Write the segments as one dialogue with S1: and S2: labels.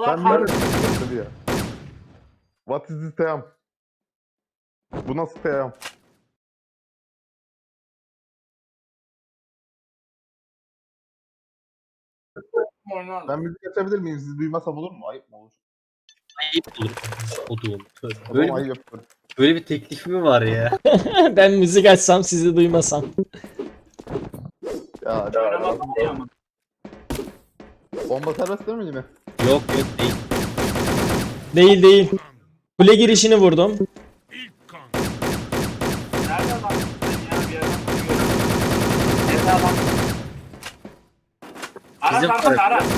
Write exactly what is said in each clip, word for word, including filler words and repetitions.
S1: Ben
S2: kar.
S1: nerede ya? What is this team? Bu nasıl team?
S2: Oynar.
S1: Ben müzik açabilir miyim? Siz duymasam olur mu? Ayıp mı olur?
S3: Ayıp olur. Odum.
S1: O
S3: Böyle
S1: zaman
S3: bir,
S1: ayıp yapıyorum.
S3: böyle bir teklif mi var ya?
S4: Ben müzik açsam sizi duymasam.
S1: Ya,
S2: Oynamak değil ama.
S1: bomba serbest değil mi yine?
S3: Yok yok değil.
S4: Değil değil. Kule girişini vurdum.
S2: Nerede adam? Ya bir yerden bakıyorum. Nerede adam? Aras
S3: Bizim
S2: arkada
S3: taraf-
S2: Aras.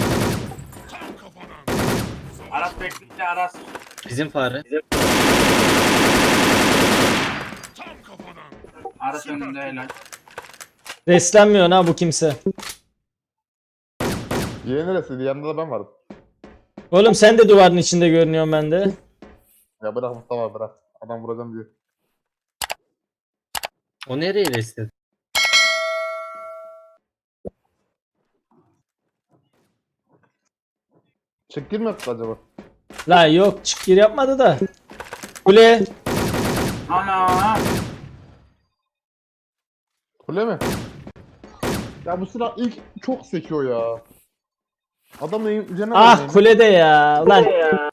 S2: Aras bekliyor Aras.
S3: Bizim fare.
S2: Aras önünde helal.
S4: Reslenmiyor ha bu kimse.
S1: Yeğen neresiydi? Yanında da ben varım.
S4: Oğlum sen de duvarın içinde görünüyorsun bende.
S1: Ya bırak Mustafa bırak. Adam vuracağım diyor.
S3: O nereye restledi?
S1: Çık girme acaba?
S4: La yok çık gir yapmadı da. Kule.
S2: Ana.
S1: Kule mi? Ya bu silah ilk çok sekiyor ya. Adamın üzerine
S4: Ah
S1: oynayayım.
S4: kulede ya. Ulan.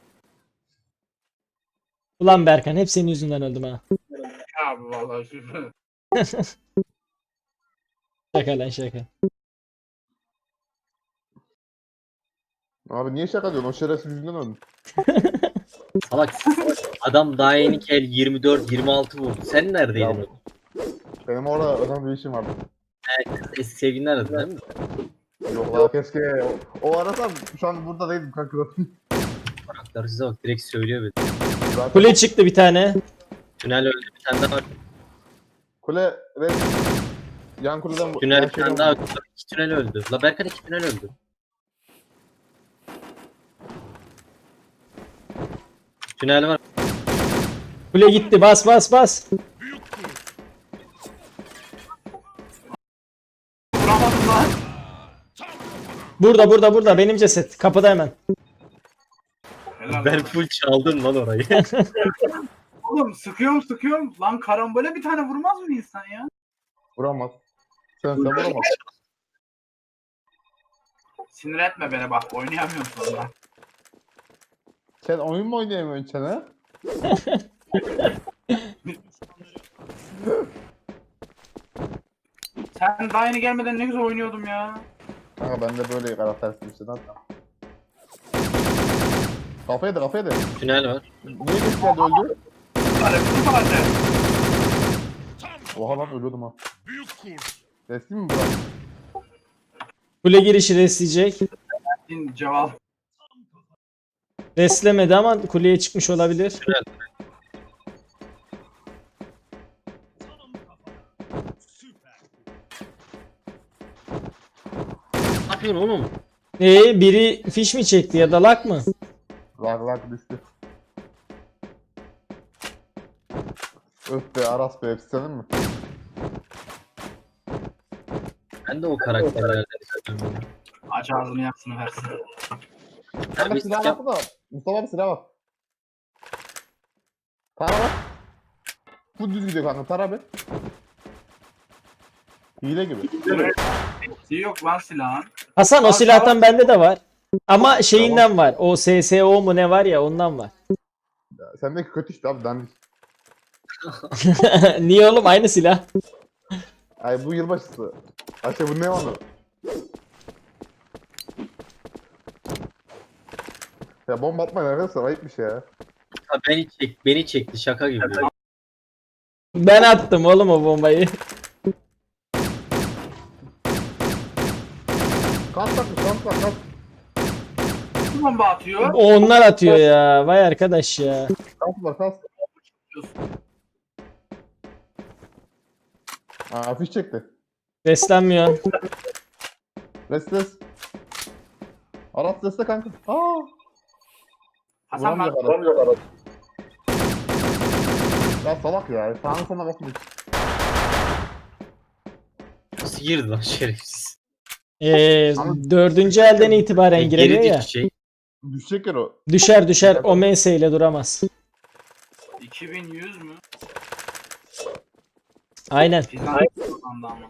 S4: Ulan Berkan hep senin yüzünden öldüm ha.
S2: Abi vallahi şu.
S4: Şaka lan şaka.
S1: Abi niye şaka diyorsun? O şerefsiz yüzünden öldüm.
S3: Salak. Adam daha yeni kel yirmi dört yirmi altı vurdu. Sen neredeydin?
S1: Ya, benim orada önemli bir işim vardı.
S3: Eski sevgilini aradın değil mi?
S1: Yok la keşke. O, o arasam şu an burada değildim kanka.
S3: Karakter size bak direkt söylüyor bir.
S1: Zaten
S4: Kule çıktı bir tane.
S3: Tünel öldü bir tane daha var.
S1: kule red. Yan kuleden bu-
S3: Tünel
S1: yan
S3: bir tane
S1: şeyden
S3: daha
S1: vurdu.
S3: öldü. İki tünel öldü. La Berkan iki tünel öldü. Tünel var.
S4: Kule gitti bas bas bas.
S2: Vuramadım lan.
S4: Burada burada burada benim ceset. Kapıda hemen.
S2: Helal
S3: Ben
S2: lan.
S3: full çaldım lan orayı.
S2: Oğlum sıkıyorum sıkıyorum. Lan karambole bir tane vurmaz mı insan ya?
S1: Vuramaz. Sen sen vuramaz.
S2: Sinir etme beni bak oynayamıyorum sonra.
S1: Sen oyun mu oynayamıyorsun sen ha?
S2: Sen daha yeni gelmeden ne güzel oynuyordum ya.
S1: Kanka ben de böyle karaktersin işte zaten. Kafaya da kafaya da.
S3: Tünel var.
S1: Niye geç geldi öldü?
S2: Hadi bu hadi.
S1: Oha lan ölüyordum ha. Resmi mi bırak?
S4: Kule girişi resleyecek.
S2: Din cevap.
S4: Reslemedi ama kuleye çıkmış olabilir.
S3: Tünel. Ne yapıyorsun oğlum?
S4: Ee, biri fiş mi çekti ya da lak mı?
S1: Lag lag düştü. Öf be Aras be hepsi senin mi?
S3: Ben de o karakterlerden istiyorum.
S2: Aç ağzını yaksın versin.
S1: Kanka
S3: Abi,
S1: silah
S3: silah-
S1: bak da. Mustafa abi silah bak. Tara bak. Bu düz gidiyor kanka tara be. Hile gibi.
S2: Şey yok lan silahın.
S4: Hasan o
S2: Var,
S4: silahtan bende de var. Ama şeyinden var. O S S O mu ne var ya ondan var.
S1: Ya, sendeki kötü işte abi dandik.
S4: Niye oğlum aynı silah?
S1: Ay bu yılbaşısı. Ayşe bu ne onu? Ya bomba atmayın arkadaşlar ayıpmış ya.
S3: Ha, beni çek, beni çekti şaka gibi.
S4: Ben attım oğlum o bombayı.
S1: Kas takmış kas tak kas.
S2: Kim bomba atıyor?
S4: O onlar atıyor ya. Vay arkadaş ya.
S1: Kas var kas. Aa fiş çekti.
S4: Reslenmiyor.
S1: Restes. Aras destek kanka. Aa.
S2: Hasan bak.
S1: Vuramıyor Aras. Ya salak ya. Sağına sana bakmış.
S3: Nasıl girdi lan şerefsiz?
S4: Ee, dördüncü elden itibaren
S3: E,
S4: giremiyor
S3: geri
S4: ya.
S3: düşecek.
S1: Düşecek yer o.
S4: Düşer düşer. O M S ile duramaz.
S2: iki bin yüz mü?
S4: Aynen.
S2: Fizan kazandı amına.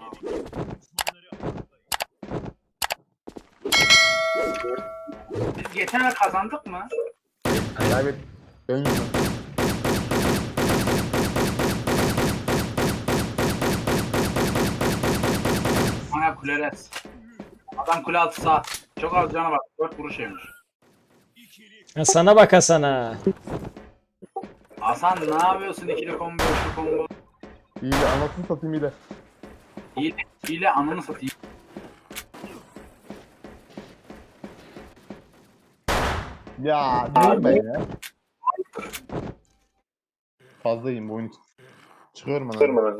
S2: Biz geçen ay kazandık mı?
S1: Kaybet. Ben yüzüm.
S2: Bana kuleres. Adam kule altı saat. Çok az canı var. dört vuruş yemiş.
S4: Ha, sana bak Hasan'a.
S2: Hasan ne yapıyorsun ikili combo, üçlü combo?
S1: İyi de anasını satayım iyi de.
S2: Hile, hile ananı satayım.
S1: Ya değilim ben ya. Fazlayım bu oyun için. Çıkıyorum ben.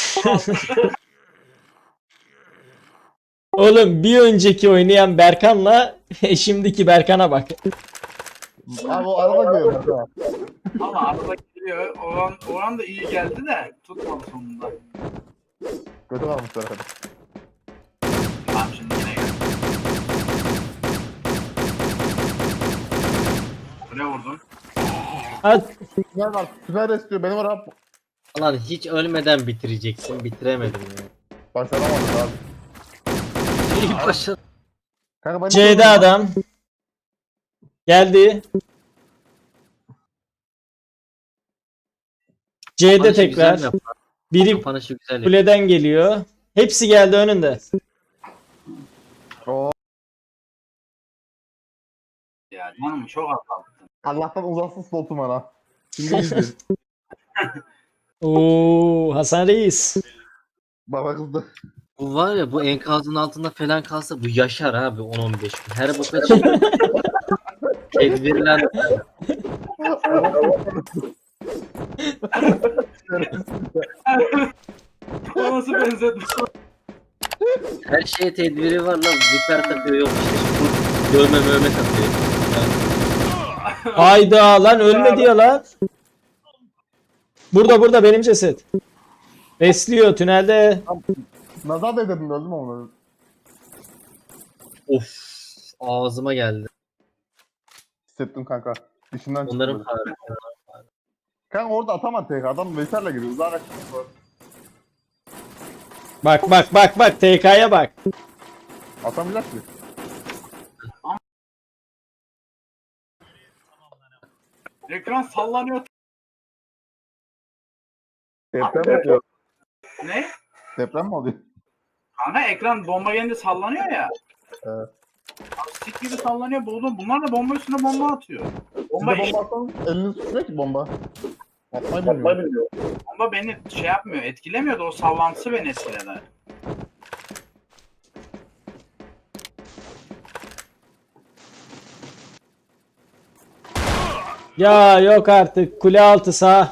S4: Oğlum bir önceki oynayan Berkan'la şimdiki Berkan'a bak.
S1: Abi o arada görüyorum mesela.
S2: Ama arada geliyor. Oran, oran da iyi geldi de tutmadı sonunda.
S1: Kötü kalmışlar hadi.
S2: Tamam şimdi yine gel. Kule vurdun.
S4: At.
S1: Süper var. Süper istiyor. Benim var abi.
S3: Lan hiç ölmeden bitireceksin. Bitiremedim ya.
S1: Başaramadık abi.
S3: İyi başa.
S1: Kanka ben
S4: C'de adam. Geldi. C'de
S3: Kapanışı
S4: tekrar.
S3: güzel yap.
S4: Biri
S3: Kapanışı güzel yap.
S4: kuleden geliyor. Hepsi geldi önünde.
S1: Oo,
S2: Ya canım çok az kaldı.
S1: Allah'tan uzaksın slotum ana. Şimdi izleyin.
S4: Oo, Hasan Reis.
S1: Baba kızdı.
S3: Bu var ya, bu enkazın altında falan kalsa bu yaşar abi on on beş gün. Her boka çıkıyor. Tedbirler.
S2: O nasıl benzetme?
S3: Her şeye tedbiri var lan. Ziper takıyor, yok işte şu dövme mövme takıyor. Yani
S4: Hayda lan ölmedi ya lan. Burada burada benim ceset. Besliyor tünelde.
S1: Nazar da dedim öldüm onu.
S3: of, ağzıma geldi.
S1: Hissettim kanka. Dişinden çıktı.
S3: Onların
S1: böyle.
S3: farkı.
S1: Kanka orada atamadı tek adam Veysel'le giriyor. Zaten
S4: Bak bak bak bak T K'ya bak.
S1: atamayacak ki.
S2: Ekran sallanıyor.
S1: Deprem mi oluyor?
S2: Ne?
S1: Deprem mi oluyor?
S2: Kanka ekran bomba gelince sallanıyor ya.
S1: Evet.
S2: Abi sik gibi sallanıyor. Buldum. Bunlar da bomba üstüne bomba atıyor. Bomba,
S1: Bomba, bomba atsanız eliniz tutmuyor ki bomba. Atmayı bilmiyor.
S2: bomba beni şey yapmıyor. Etkilemiyor da o sallantısı beni etkiledi.
S4: Ya yok artık kule altı sağ.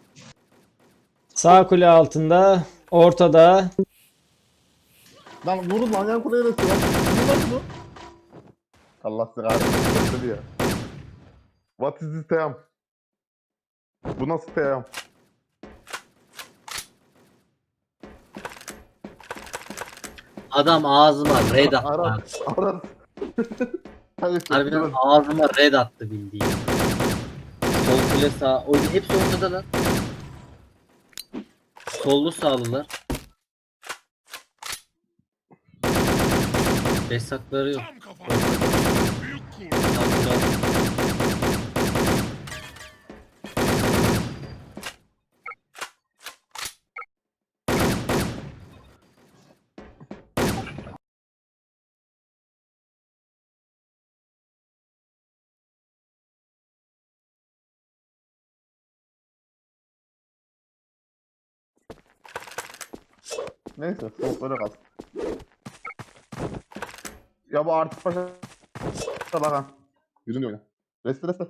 S4: Sağ kule altında. Ortada.
S1: Lan vurun lan yan kuleye resti lan. Vurun lan bunu. Allah size kahretsin. ya. What is this team? Bu nasıl team?
S3: Adam ağzıma red attı.
S1: Aras. Aras. Hadi
S3: Harbiden
S1: durun.
S3: ağzıma red attı bildiğin. Sol kule sağ. O hepsi ortada lan. Sollu sağlılar. Besakları yok. Sağ kule.
S1: Neyse soğuk böyle kalsın. Ya bu artık paşa bak ha. Yürüyün oyna. Reste reste.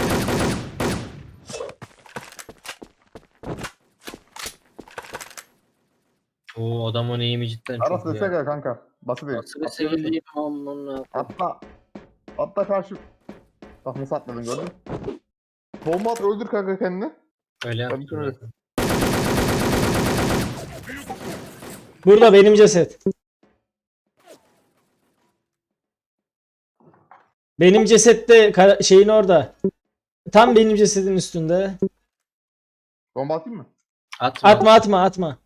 S3: Oo, adamın eğimi cidden
S1: Aras
S3: çok
S1: reste
S3: ya.
S1: gel kanka. Basit değil.
S3: Nasıl bir sevdiğim amına.
S1: Atla. Atla karşı. Bak nasıl atladın gördün mü? Bomba at öldür kanka kendini.
S3: Öyle
S1: Tabii
S3: yaptım.
S1: ki öyle.
S4: Burada benim ceset. Benim cesette kara- şeyin orada. Tam benim cesedin üstünde.
S1: Bomba atayım mı?
S3: Atma.
S4: Atma atma atma.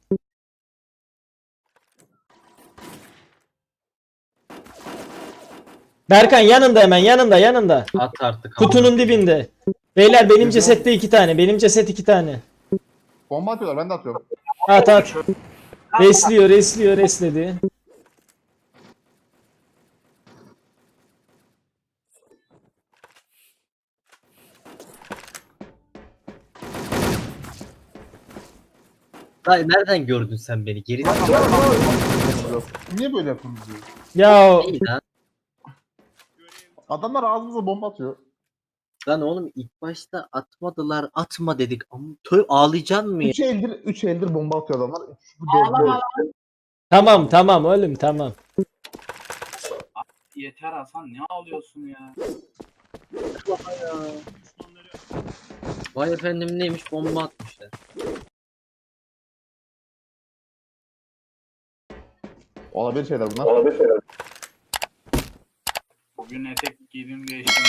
S4: Berkan yanında hemen yanında yanında.
S3: At artık.
S4: Kutunun dibinde. Beyler benim cesette iki tane. Benim ceset iki tane.
S1: Bomba atıyorlar ben de atıyorum.
S4: At at. Resliyor resliyor resledi.
S3: Dayı nereden gördün sen beni? Geri
S1: Niye böyle yapıyorsunuz diyor.
S4: Ya
S3: değil lan.
S1: Adamlar ağzımıza bomba atıyor.
S3: Lan oğlum ilk başta atmadılar. Atma dedik. Ama tö ağlayacaksın mı ya?
S1: Üç eldir, üç eldir bomba atıyor adamlar. Bu
S2: Ağlama
S1: dört-
S4: tamam tamam oğlum tamam.
S2: Yeter Hasan, ne ağlıyorsun ya?
S3: Vay efendim neymiş bomba atmışlar.
S1: Olabilir şeyler bunlar. Olabilir şeyler.
S2: Bugün etek giydim değiştim.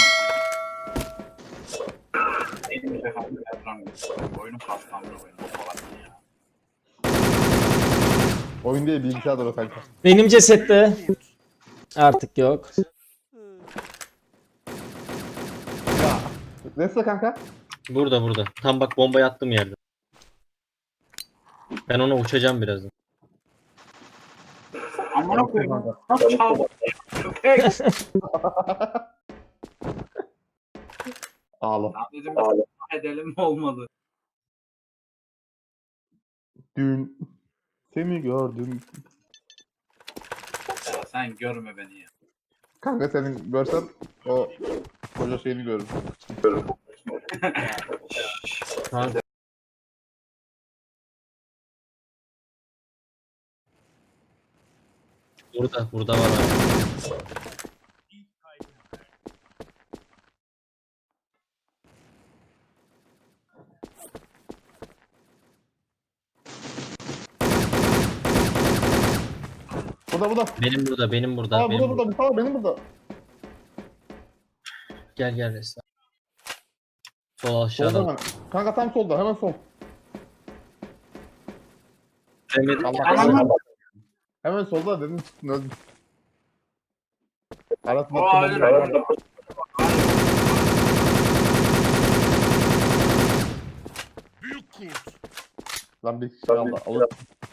S2: Benim efendim yapıram. Oyunun kaslandı oyunu falan ya.
S1: Oyun değil bilgisayar da o kanka.
S4: Benim cesette. Artık yok.
S1: Ya. Neyse kanka.
S3: Burada burada. Tam bak bombayı attım yerde. Ben ona uçacağım birazdan.
S2: Amına koyayım. Nasıl çaldı? Köpek.
S1: Ağla.
S2: Ya dedim edelim mi olmadı?
S1: Dün seni gördüm.
S2: Ya sen görme beni ya.
S1: Kanka senin görsen o koca şeyini görürüm.
S3: Kanka. Burada, burada var abi.
S1: Burada burada.
S3: Benim burada, benim burada,
S1: Aa
S3: benim
S1: burada
S3: burada.
S1: burada. Mustafa benim burada.
S3: Gel gel Resla. Sol
S1: Solda
S3: aşağıda.
S1: hemen. Kanka tam solda hemen sol.
S3: Demedim.
S1: Allah
S2: Aman.
S1: kahretsin. Hemen solda dedim çıktın öldün. Arasında
S2: O
S1: attım
S2: ayrı.
S1: onu. Lan bir kişi kaldı. Alır.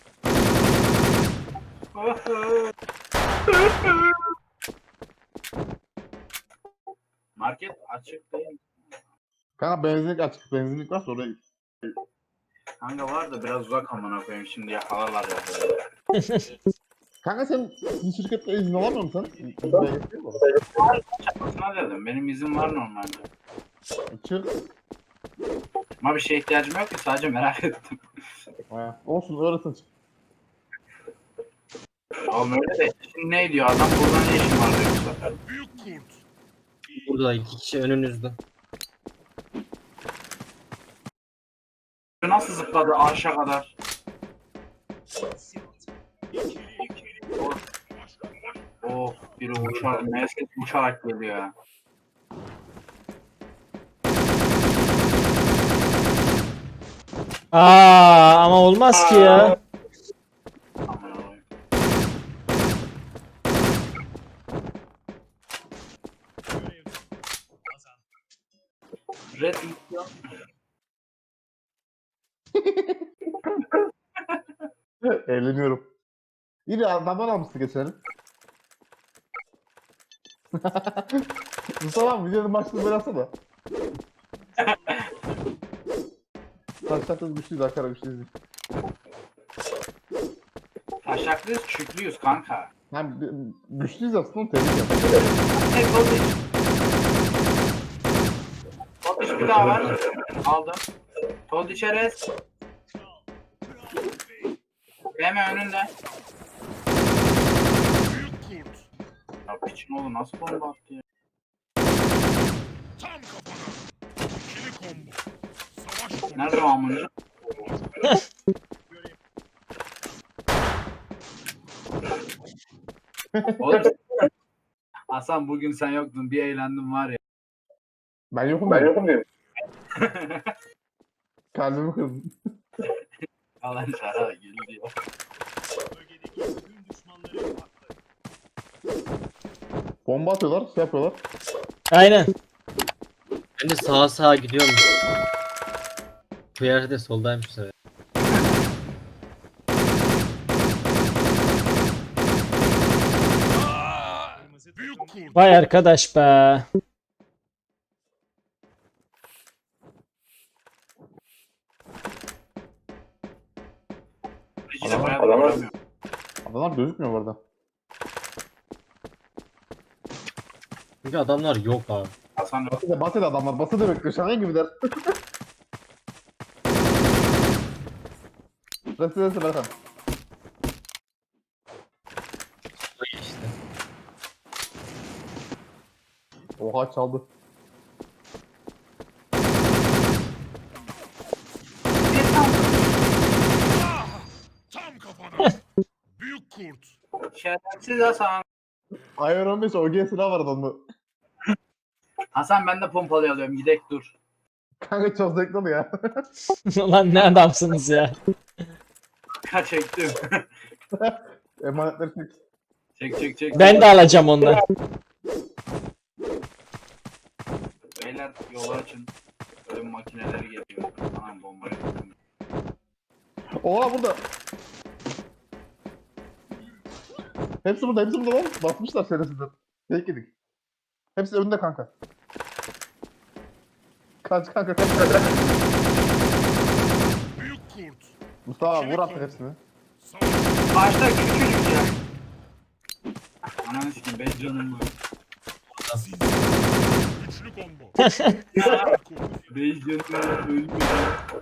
S2: Market açık değil.
S1: Kanka benzinlik açık. Benzinlik varsa oraya git.
S2: Kanka var da biraz uzak amına koyayım, şimdi yakalarlar ya.
S1: Kanka sen bir şirkette izin alamıyor musun? İzine getiriyor mu?
S2: Çakmasına dedim. Benim izin var normalde.
S1: Çık.
S2: Ama bir şeye ihtiyacım yok ki, sadece merak ettim.
S1: Ha, olsun öğretin çık.
S2: Oğlum öyle de şimdi ne diyor adam, burada ne işin var diyor bu sefer.
S3: Burada iki kişi önünüzde.
S2: Bu nasıl zıpladı aşağı kadar? Oh, biri uçarak, meslek uçarak geliyor ya.
S4: Aa ama olmaz ki ya.
S2: Aman Allah'ım. Red Mission.
S1: Eğleniyorum. İyi de adamlar almıştı geçelim. Mustafa abi videonun başlığını böyle atsana. Taşlatız güçlüyüz Ankara güçlüyüz.
S2: Taşaklıyız, çüklüyüz kanka.
S1: Hem bi- güçlüyüz aslında tebrik ederim.
S2: Hey Goldiş. Goldiş bir daha var. Aldım. Goldiş Eres. Hemen önünde. Ya piçin oğlu nasıl bomba attı ya?
S5: Tam kafana. İkili combo. Savaş combo.
S2: Nerede o amıncı? Oğlum, Hasan bugün sen yoktun. Bir eğlendim var ya.
S1: Ben yokum ben yokum diyorum. Kalbimi kırdın.
S2: Alan şara geliyor.
S1: Bomba atıyorlar, şey yapıyorlar.
S4: Aynen.
S3: Ben de sağa sağa gidiyorum. Bu yerde de soldaymış bu sefer.
S5: Büyük kurt.
S4: Vay arkadaş be.
S2: Reji de
S1: Adamlar-
S2: bayağı
S1: adamlar-
S2: vuramıyor.
S1: Adamlar gözükmüyor bu arada.
S3: Çünkü adamlar yok abi.
S2: Hasan yok.
S1: Basede, basede adamlar. Basede bekliyor. Şaka gibiler. Residence Berkan.
S3: Bu işte.
S1: Oha çaldı.
S5: Ah! Tam kafana. Büyük kurt.
S2: Şerefsiz Hasan.
S1: Iron on beş O G silah vardı onda.
S2: Hasan ben de pompalı alıyorum. Gidek dur.
S1: Kanka çok zevkli oluyor ya.
S4: Ulan ne adamsınız ya.
S2: Kaç çektim.
S1: Emanetleri çek.
S2: çek çek çek.
S4: Ben de alacağım ondan.
S2: Beyler yolu açın. Ölüm makineleri geliyor. Anam bombayı.
S1: Oha burada. Hepsi burada, hepsi burada lan. Basmışlar şerefsizler. Tek yedik. Hepsi önünde kanka. Kaç kanka kaç kanka.
S5: Büyük kurt.
S1: Mustafa vur artık hepsini.
S5: Savaş.
S2: Başta küçücük ya. Ananı sikeyim. Beş canım var.
S5: Siz. Güçlü combo.
S2: Ya,
S5: Kurt.
S2: Beş canım var. Ölmüyor.